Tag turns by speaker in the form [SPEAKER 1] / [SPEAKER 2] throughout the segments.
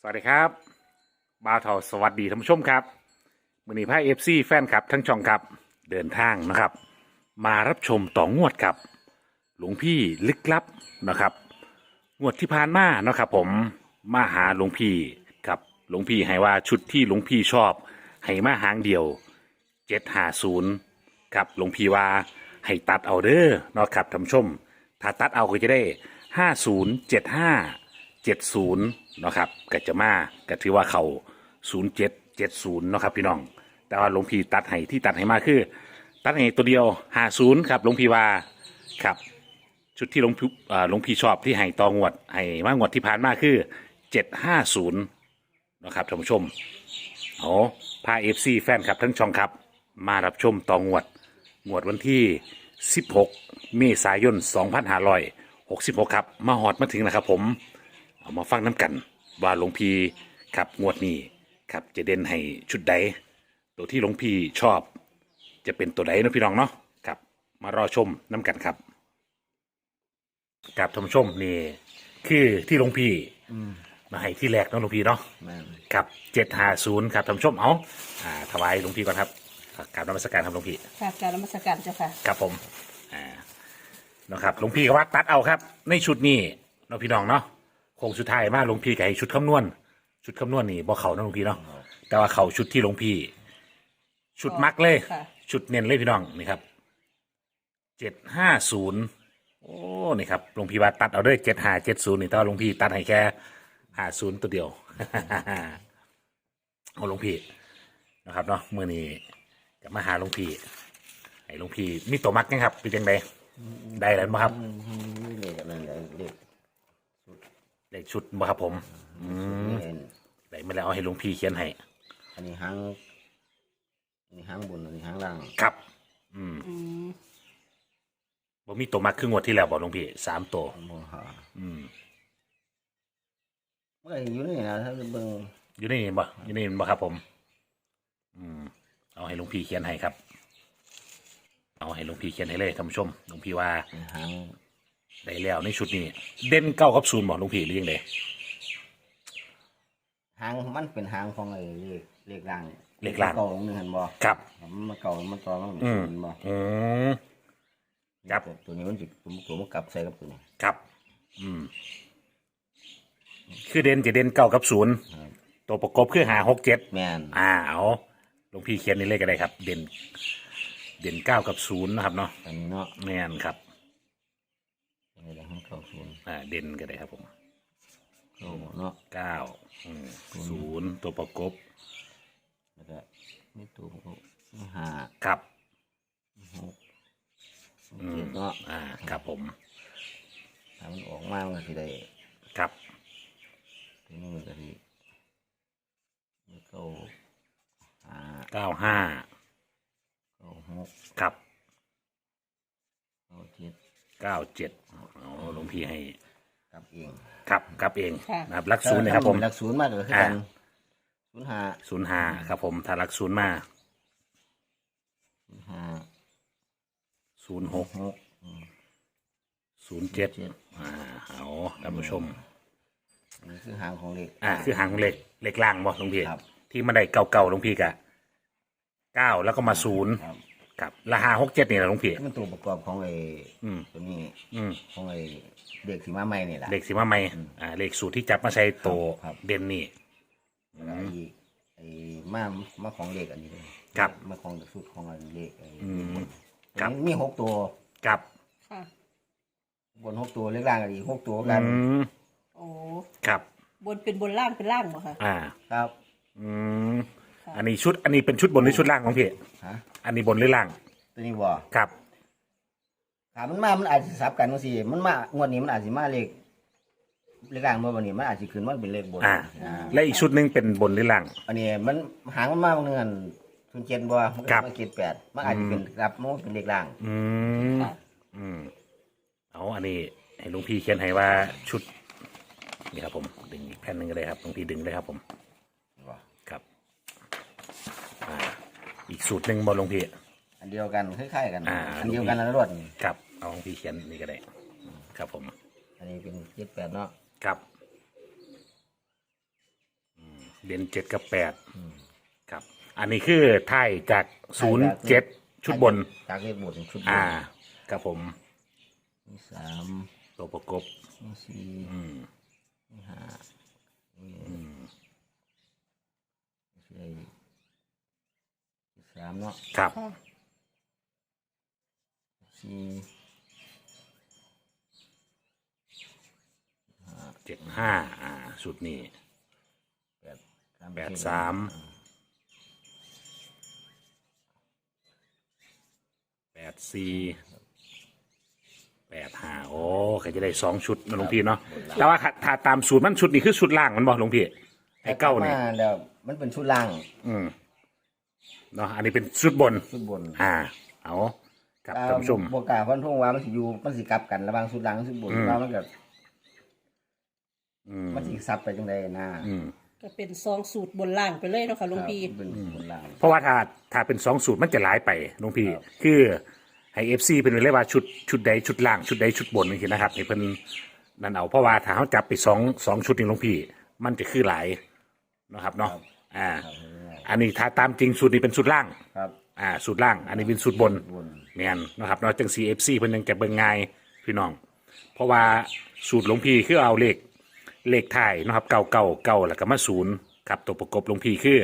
[SPEAKER 1] สวัสดีครับบ่าวเทาสวัสดีท่านผู้ชมครับมือนี้พาเอฟซีแฟนครับทั้งช่องครับเดินทางนะครับมารับชมต่องวดครับหลวงพี่ลึกลับนะครับงวดที่ผ่านมานะครับผมมาหาหลวงพี่ครับหลวงพี่ให้ว่าชุดที่หลวงพี่ชอบให้มาหางเดียว750ครับหลวงพี่ว่าให้ตัดเอาเด้อเนาะครับท่านผู้ชมถ้าตัดเอาก็จะได้507570เนาะครับก็จะมาก็ถือว่าเขา0770เนาะครับพี่น้องแต่ว่าหลวงพี่ตัดให้ที่ตัดให้มาคือตัดให้ตัวเดียว50ครับหลวงพี่ว่าครับชุดที่หลวงพี่ชอบที่ให้ตองวดให้มางวดที่ผ่านมาคือ750นะครับท่านผู้ชมเอาพาแฟนครับทั้งช่องครับมารับชมตองวดวันที่16เมษายน2566ครับมาหอดมาถึงนะครับผมเอามาฟังน้ำกันว่าหลวงพี่ครับงวดนี้ครับจะเด่นให้ชุดใดตัวที่หลวงพี่ชอบจะเป็นตัวใดนะพี่น้องเนาะครับมารอชมน้ำกันครับกับท่านผู้ชมนี่คือที่หลวงพี่มาให้ที่แรกเนาะหลวงพี่เนาะครับ750ครับท่านผู้ชมเอาถวายหลวงพี่ก่อนครับกราบนมัสการครับหลวงพี่
[SPEAKER 2] ค่ะการนมัสการเจ้าค่ะ
[SPEAKER 1] ครับผมนะครับหลวงพี่ก็ว่าตัดเอาครับในชุดนี้เนาะพี่น้องเนาะโค้งสุดท้ายมาหลวงพี่ก็ให้ชุดคำนวณนี่บ่เขาเนาะหลวงพี่เนาะแต่ว่าเขาชุดที่หลวงพี่ชุดมักเลยชุดเน้นเลยพี่น้องนี่ครับ750โอ้นี่ครับหลวงพี่ว่าตัดเอาด้วย7570นี่แต่ว่าหลวงพี่ตัดให้แค่50ตัวเดียว เอาหลวงพี่นะครับเนาะมื้อนี้จะมาหาหลวงพี่ให้หลวงพี่มีตัวมักนะครับเป็นยังไงได้แล้วมั้งครับ
[SPEAKER 3] เลขนั่น
[SPEAKER 1] เลขชุดมั้งครับผมได้มาแล้วเอาให้หลวงพี่เขียนให้
[SPEAKER 3] อันนี้หางบนอันนี้หางล่าง
[SPEAKER 1] ครับบ่มีตัวมักคืองวดที่แล้วบอกหลวงพี่3ตัว
[SPEAKER 3] เมื่ออยู่นี่นะถ้าเบิ่ง
[SPEAKER 1] อยู่นี่บ่ครับผมเอาให้หลวงพี่เขียนให้ครับเอาให้หลวงพี่เขียนให้เลยท่านผู้ชมหลวงพี่ว่า
[SPEAKER 3] หาง
[SPEAKER 1] ได้แล้วในชุดนี้เด่น9กับ0บอกหลวงพี่หรือยังไง
[SPEAKER 3] หางมันเป็นหางของไอ้เลขล่าง
[SPEAKER 1] เก่
[SPEAKER 3] าหนึ่งเห็นบ่
[SPEAKER 1] ครับ
[SPEAKER 3] มันเก่ามันต่อมันเป็นศูนย์บ่
[SPEAKER 1] ครับ
[SPEAKER 3] ตัวนี้มันจิตัวมันกลับใส่กับตัวนี้
[SPEAKER 1] ครับคือจะเด่น9กับ0ตัวประกบคือ5 6 7
[SPEAKER 3] แม่น
[SPEAKER 1] เอาหลวงพี่เขียนนี่เลขก็ได้ครับเด่น9กับ0นะครับเนาะ
[SPEAKER 3] อันนี้เนาะ
[SPEAKER 1] แม่นครับ
[SPEAKER 3] นี่แหละเก้าศูนย์
[SPEAKER 1] เด่นก็ได้ครับผม
[SPEAKER 3] เนาะ
[SPEAKER 1] 9 0ตัวประกบ
[SPEAKER 3] แล้วก็นี่ตัวประกบ5
[SPEAKER 1] ครับ
[SPEAKER 3] 6 7เนาะ
[SPEAKER 1] ครับผม
[SPEAKER 3] ถ้ามันออกมามันก็สิได้
[SPEAKER 1] ครับ
[SPEAKER 3] ทีนี้มันก็สิ
[SPEAKER 1] 95 96ครับ97หลวงพี่ให้
[SPEAKER 3] กลับเอง
[SPEAKER 1] ครับกลับเองนะครับลักศูนย์นะครับผม
[SPEAKER 3] ลักศูนย์มาก็คือกัน
[SPEAKER 1] 05ครับผมถ้าลักศูนย์มา06 07เอาท่านผู้ชม
[SPEAKER 3] นี่คือหางของเลข
[SPEAKER 1] คือหางเลขล่างบ่หลวงพี่ที่มันได้เก่าหลวงพี่กะ9แล้วก็มา0ครับละ5 6 7นี่แหละหลวงพี่
[SPEAKER 3] มันตัวประกอบของไอ้ตัวนี้ของไอ้เด็กสีมาใหม่นี่แหละ
[SPEAKER 1] เลขสีมาใหม่เลขสูตรที่จับมาใช้ตัวเด่นนี่
[SPEAKER 3] ไอ้มาของเลขอันนี้เลย
[SPEAKER 1] ครับ
[SPEAKER 3] มาของสูตรของอันเลขมี6ตัว
[SPEAKER 1] ครับ
[SPEAKER 3] บน6ตัวเลขล่างอีก6ตัวกัน
[SPEAKER 2] โอ้
[SPEAKER 1] ครับ
[SPEAKER 2] บนเป็นบนล่างเป็นล่างเหรอคะ
[SPEAKER 3] ครับ
[SPEAKER 1] อันนี้เป็นชุดบนหรือชุดล่างของพี่อันนี้บนหรือล่าง
[SPEAKER 3] ตัวนี้บ่
[SPEAKER 1] ครับ
[SPEAKER 3] ถามมันอาจจะสับกันบางทีมันมางวดนี้มันอาจจะมาเลขล่างเมื่อวันนี้มันอาจจะขึ้นมันเป็นเลขบน
[SPEAKER 1] และอีกชุดหนึ่งเป็นบนหรือล่าง
[SPEAKER 3] อันนี้มันหางมันมาบางเงินทุน7บ่มันก็มาเกต8มันอาจจะเป็นรับมันเป็นเลขล่าง
[SPEAKER 1] เอาอันนี้ให้หลวงพี่เขียนให้ว่าชุดนี่ครับผมดึงอีกแผ่นหนึ่งก็ได้ครับหลวงพี่ดึงเลยครับผมครับอีกสูตรหนึ่งบอลหลวงพี่
[SPEAKER 3] อันเดียวกันคล้ายๆกันอันเดียวกันแล้วรวด
[SPEAKER 1] ครับเอาหลวงพี่เขียนนี่ก็ได้ครับผม
[SPEAKER 3] อันนี้เป็น78เนาะ
[SPEAKER 1] ครับเด่น7กับ8ครับ อันนี้คือไทยจาก07ชุดบน
[SPEAKER 3] จากเลขบนชุดบน
[SPEAKER 1] ครับผม
[SPEAKER 3] มีสาม
[SPEAKER 1] ตัวประกบ
[SPEAKER 3] มีสี่มีห้ามีสามเนาะ
[SPEAKER 1] ครับ
[SPEAKER 2] ค่ะ
[SPEAKER 3] สี่
[SPEAKER 1] 75ชุดนี้
[SPEAKER 3] แปด
[SPEAKER 1] 83 84 85โอ้ใครจะได้2ชุดนะหลวงพี่เนาะแต่ว่าถ้าตามสูตรมันชุดนี้คือชุดล่างมันบอกหลวงพี่ไอ้เก้าเนี่ย
[SPEAKER 3] มาแล้วมันเป็นชุดล่าง
[SPEAKER 1] เนาะอันนี้เป็นชุดบน
[SPEAKER 3] ชุดบน
[SPEAKER 1] เอาครับท่านผู้ชม
[SPEAKER 3] บวกกาฟันทงว่ามันสิอยู่มันสิกลับกันระหว่างชุดล่างกับชุดบนว่ามันก็มันสิซับไปจังไดนะ
[SPEAKER 2] ก็เป็นซองสูตรบนล่างไปเลยเนาะค่ะหลวงพี่
[SPEAKER 3] เป็นชุดล่าง
[SPEAKER 1] เพราะว่าถ้าเป็น2สูตรมันจะหลายไปหลวงพี่
[SPEAKER 3] ครับ
[SPEAKER 1] คือให้FC เป็นเรียกว่าชุดใดชุดล่างชุดใดชุดบนนี่นะครับให้เพิ่นนั่นเอาเพราะว่าถ้าเขาจับไป2ชุดนี่หลวงพี่ มันจะคือหลายนะครับเนาะอันนี้ถ้าตามจริงสูตรนี้เป็นสูตรล่าง
[SPEAKER 3] ครับ
[SPEAKER 1] สูตรล่าง อันนี้เป็นสูตรบน
[SPEAKER 3] บน
[SPEAKER 1] แม่นนะครับเนาะจัง CFC เพิ่นยังจะเบิ่งง่ายพี่น้อง เพราะว่าสูตรหลวงพี่คือเอาเลขท้ายนะครับเก่าแล้วก็มา0ครับตัวประกบหลวงพี่คือ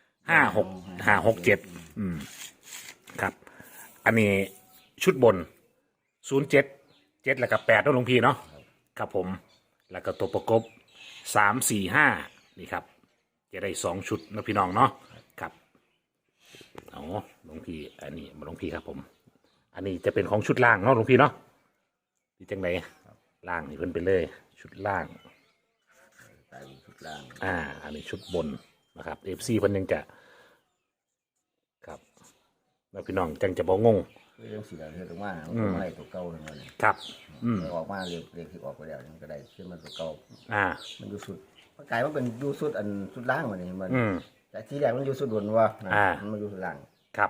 [SPEAKER 1] 567ครับ อันนี้ชุดบน07แล้วก็8เนาะหลวงพี่เนาะครับผม แล้วก็ตัวประกบ345นี่ครับจะได้2ชุดนะพี่น้องเนาะครับเอาหลวงพี่อันนี้มาหลวงพี่ครับผม อันนี้จะเป็นของชุดล่างเนาะหลวงพี่เนาะที่จังไหนล่างนี่เพิ่นไปเลย ชุดล่าง
[SPEAKER 3] ใส่ชุดล่าง
[SPEAKER 1] อันนี้ชุดบนนะครับ FC เพิ่นยังจะครับแล้วพี่น้องจังจะบ่งง
[SPEAKER 3] คือเรื่องสีดำเฮ็ดออกมามันก็ไม่ได้ตัวเก่าเลยมัน
[SPEAKER 1] ครับ
[SPEAKER 3] ออกมาเรียกที่ออกไปแล้วมันก็ได้ขึ้นมาตัวเก่า
[SPEAKER 1] อ่า
[SPEAKER 3] มันอยู่สุดมันกลายว่าเป็นอยู่สุดอันสุดล่างมันนี่มัน
[SPEAKER 1] อืม
[SPEAKER 3] แต่ที่แรกมันอยู่สุดบนว่านะ มันมาอยู่สุดล่าง
[SPEAKER 1] ครับ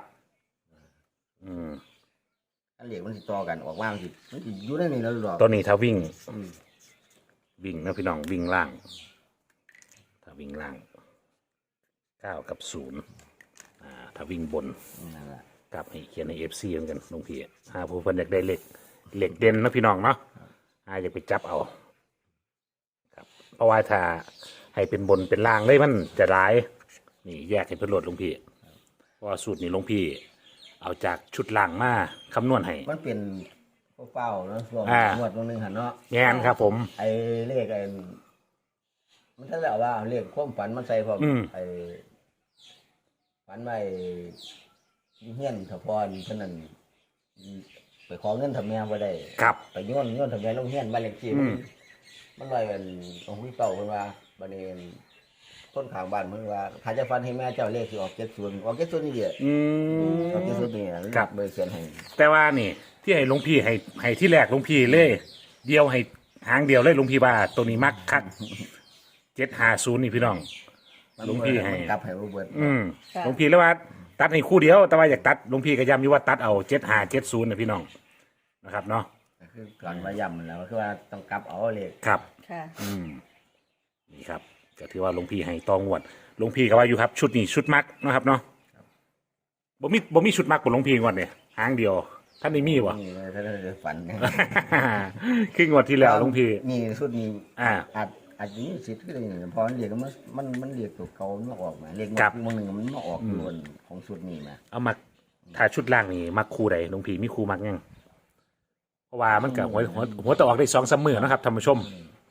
[SPEAKER 3] อันเหล็กมันสิต่อกันออกมามันสิอยู่ในนี้แล้วหรอก
[SPEAKER 1] ตัวนี้ถ้าวิ่งนะพี่น้องวิ่งล่าง ถ้าวิ่งล่าง9กับ0ถ้าวิ่งบน
[SPEAKER 3] นั่นแหละ
[SPEAKER 1] กับให้เขียนใน FC เหมือนกันหลวงพี่ผู้เพิ่นอยากได้เหล็กเด่นนะพี่น้องเนาะอยากไปจับเอาครับเพราะว่าถ้าให้เป็นบนเป็นล่างเลยมันจะร้ายนี่แยกให้เพิ่นโหลดหลวงพี่เพราะว่าสูตรนี้หลวงพี่เอาจากชุดล่างมาคำนวณให้
[SPEAKER 3] มันเป็นเป้าๆเนาะช่วงงวดตรงนึงหันเนาะ
[SPEAKER 1] แง่นครับผม
[SPEAKER 3] ไอ้เลขไอ้มันถ้าแล้วว่าเอาเลขความฝันมันใส่พร้อมไอ้ฝันไว้เฮียนถพรเท่านั้นไปขอเงินทำแม่บ่ได้
[SPEAKER 1] ครับ
[SPEAKER 3] ไปโยนทำแม่ลงเฮียนบ้านเลขที่มันลอยเป็นองค์พี่เป่าเพิ่นว่าบัดนี้คนข้างบ้านเพิ่นว่าถ้าจะฟันให้แม่เจ้าเลขสิออก70ออก70นี่เด้อออก70นี่ครับเบอร์เขียนให้
[SPEAKER 1] แต่ว่านี่ ที่ให้หลวงพี่ให้ที่แรกหลวงพี่เลยเดียวให้หางเดียวเลยหลวงพี่ว่าตัวนี้มักคัก750นี่พี่น้องหลวงพี่ให้
[SPEAKER 3] มันกลับให้บ่เบิด
[SPEAKER 2] ค่ะ
[SPEAKER 1] หลวงพี่แล้วว่าตัดให้คู่เดียวแต่ว่าอยากตัดหลวงพี่ก็ย้ำอยู่ว่าตัดเอา7570นะพี่น้องนะครับเนาะ
[SPEAKER 3] คือก่อนมาย้ำมันแล้วคือว่าต้องกลับเอาเลข
[SPEAKER 1] ครับ
[SPEAKER 2] ค่ะ
[SPEAKER 1] นี่ครับก็ถือว่าหลวงพี่ให้ตองวดหลวงพี่ก็ว่าอยู่ครับชุดนี้ชุดมักนะครับเนาะบ่มีชุดมักบนหลวงพี่งวดเนี่ยหางเดียวท่านนี่มีวะ
[SPEAKER 3] นี่เลยถ้าได้ฝัน
[SPEAKER 1] คืองวดที่แล้วหลวงพี่
[SPEAKER 3] นี่สุดนี้
[SPEAKER 1] อ่า
[SPEAKER 3] อาจจะมีสิทธิ์ก็ได้นี่พอมันเรียกมันเรียกตัวเก่ามันมาออกมาเรียก
[SPEAKER 1] ครับ
[SPEAKER 3] บางหนึ่งมันมาออกอยู่บนของสุดนี้มา
[SPEAKER 1] เอามักถ้าชุดล่างนี่มักคู่ใดหลวงพี่มีคู่มักยังเพราะว่ามันกับหัวตะออกได้2-3มื้อนะครับท่านผู้ชม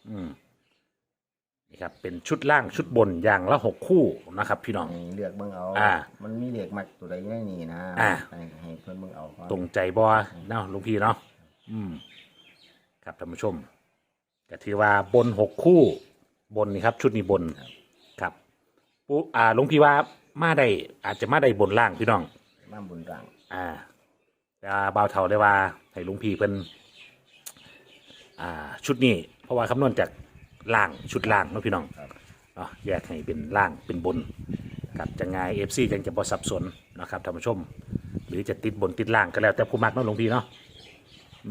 [SPEAKER 1] นี่ครับเป็นชุดล่างชุดบนอย่างละ6คู่นะครับ พี่น้อง
[SPEAKER 3] ให้เลือกเบิ่งเอา
[SPEAKER 1] อ่า
[SPEAKER 3] มันมีเรียกมักตัวใดอยู่ในนี่นะ
[SPEAKER 1] อ่า
[SPEAKER 3] ให้เพิ่นเบิ่งเอาก่อน
[SPEAKER 1] ตรงใจบ่เนาะหลวงพี่เนาะครับท่านผู้ชมก็ถือว่าบน6คู่บนนี่ครับ ชุดนี้บนครับปุ๊หลวงพี่ว่ามาได้อาจจะมาได้บนล่างพี่น้อง
[SPEAKER 3] มาบุญร่าง
[SPEAKER 1] แต่ว่าบ่าวเฒ่าได้ว่าให้หลวงพี่เพิ่นชุดนี้ เพราะว่าคำนวณจากล่างชุดล่างเนาะพี่น้องเนาะแยกให้เป็นล่างเป็นบนครับจะง่าย FC จังจะบ่สับสนนะครับท่านผู้ชม หรือจะติดบนติดล่างก็แล้วแต่ผู้มักเนาะหลวงพี่เนาะ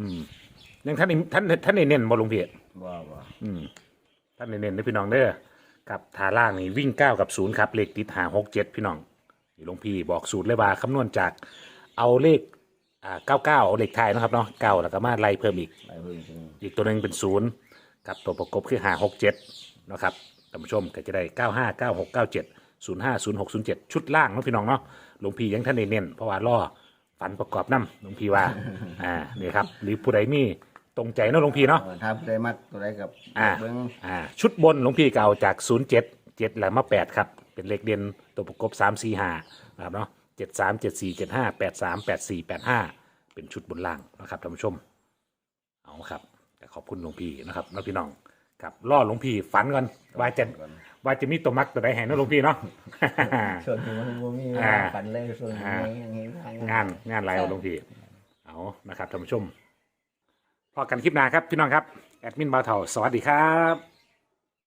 [SPEAKER 1] ยังท่านได้เน้นบ่หลวงพี่
[SPEAKER 3] บ่
[SPEAKER 1] ท่านได้เน้นนะพี่น้องเด้อกับทาล่างนี่วิ่ง9กับ0ครับเลขติด5 6 7พี่น้องนี่หลวงพี่บอกสูตรเลยว่าคำนวณจากเอาเลข99เอาเลขไทายนะครับเนาะ9แล้วก็มาไล่เพิ่มอีก
[SPEAKER 3] ไปเพิ่งจริง
[SPEAKER 1] อีกตัวหนึ่งเป็น0กับตัวประกบคือ5 6 7นะครับท่านผู้ชมก็จะได้95 96 97 05 06 07ชุดล่างเนาะพี่น้องเนาะหลวงพี่ยังท่านได้เน้นเพราะว่าล่อฝันประกอบน้ำหลวงพี่ว่านี่ครับหรือผู้ใดมีตรงใจเนาะหลวงพี่เนาะ
[SPEAKER 3] ถ้าได้มักตัวใดกับ เบิ้ง
[SPEAKER 1] ชุดบนหลวงพี่เก่าจาก07 7แล้วมา8ครับเป็นเลขเด่นตัวประกบ3 4 5นะครับเนาะ73 74 75 83 84 85เป็นชุดบนล่างนะครับท่านผู้ชมเอาครับขอบคุณหลวงพี่นะครับแล้วพี่น้องครับล่อหลวงพี่ฝันก่อนว่าจะมีตัวมักตัวใดแห่งเนาะหลวงพี่เนาะ
[SPEAKER 3] ส่วนที่มันบ่มีฝันเลยส่วนนี้ยังเห็นทาง
[SPEAKER 1] งานไรเอาหลวงพี่เอานะครับท่านผู้ชมพอกันคลิปหน้าครับพี่น้องครับแอดมินบ่าวเฒ่าสวัสดีครับ